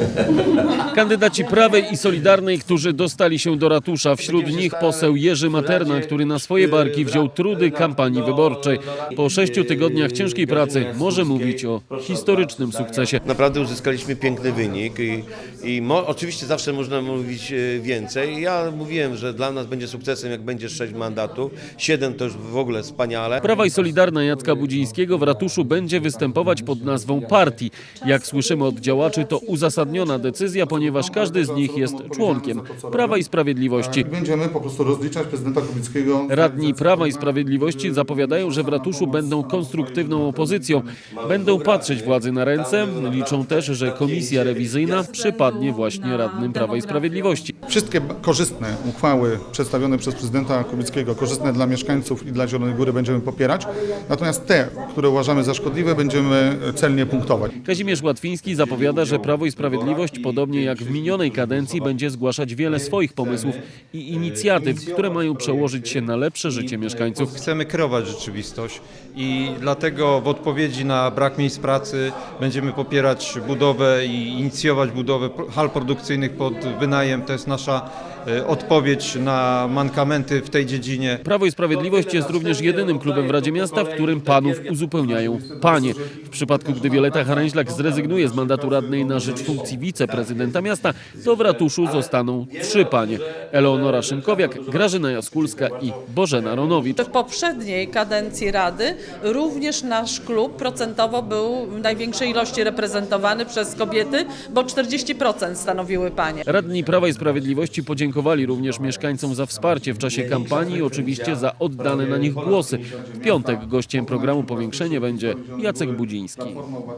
Kandydaci Prawej i Solidarnej, którzy dostali się do ratusza. Wśród nich poseł Jerzy Materna, który na swoje barki wziął trudy kampanii wyborczej. Po 6 tygodniach ciężkiej pracy może mówić o historycznym sukcesie. Naprawdę uzyskaliśmy piękny wynik i oczywiście zawsze można mówić więcej. Ja mówiłem, że dla nas będzie sukcesem, jak będzie 6 mandatów. 7 to już w ogóle wspaniale. Prawa i Solidarna Jacka Budzińskiego w ratuszu będzie występować pod nazwą partii. Jak słyszymy od działaczy, to uzasadniona decyzja, ponieważ każdy z nich jest członkiem Prawa i Sprawiedliwości. Będziemy po prostu rozliczać prezydenta Kubickiego. Radni Prawa i Sprawiedliwości zapowiadają, że w ratuszu będą konstruktywną opozycją. Będą patrzeć władzy na ręce. Liczą też, że komisja rewizyjna przypadnie właśnie radnym Prawa i Sprawiedliwości. Wszystkie korzystne uchwały przedstawione przez prezydenta Kubickiego, korzystne dla mieszkańców i dla Zielonej Góry będziemy popierać. Natomiast te, które uważamy za szkodliwe, będziemy celnie punktować. Kazimierz Łatwiński zapowiada, że Prawo i Sprawiedliwość, podobnie jak w minionej kadencji, będzie zgłaszać wiele swoich pomysłów i inicjatyw, które mają przełożyć się na lepsze życie mieszkańców. Chcemy kreować rzeczywistość i dlatego w odpowiedzi na brak miejsc pracy będziemy popierać budowę i inicjować budowę hal produkcyjnych pod wynajem. To jest nasza odpowiedź na mankamenty w tej dziedzinie. Prawo i Sprawiedliwość jest również jedynym klubem w Radzie Miasta, w którym panów uzupełniają panie. W przypadku, gdy Wioleta Haręźlak zrezygnuje z mandatu radnej na rzecz funkcji wiceprezydenta miasta, to w ratuszu zostaną 3 panie. Eleonora Szymkowiak, Grażyna Jaskulska i Bożena Ronowicz. W poprzedniej kadencji Rady również nasz klub procentowo był w największej ilości reprezentowany przez kobiety, bo 40% stanowiły panie. Radni Prawa i Sprawiedliwości podziękowali również mieszkańcom za wsparcie w czasie kampanii i oczywiście za oddane na nich głosy. W piątek gościem programu Powiększenie będzie Jacek Budziński.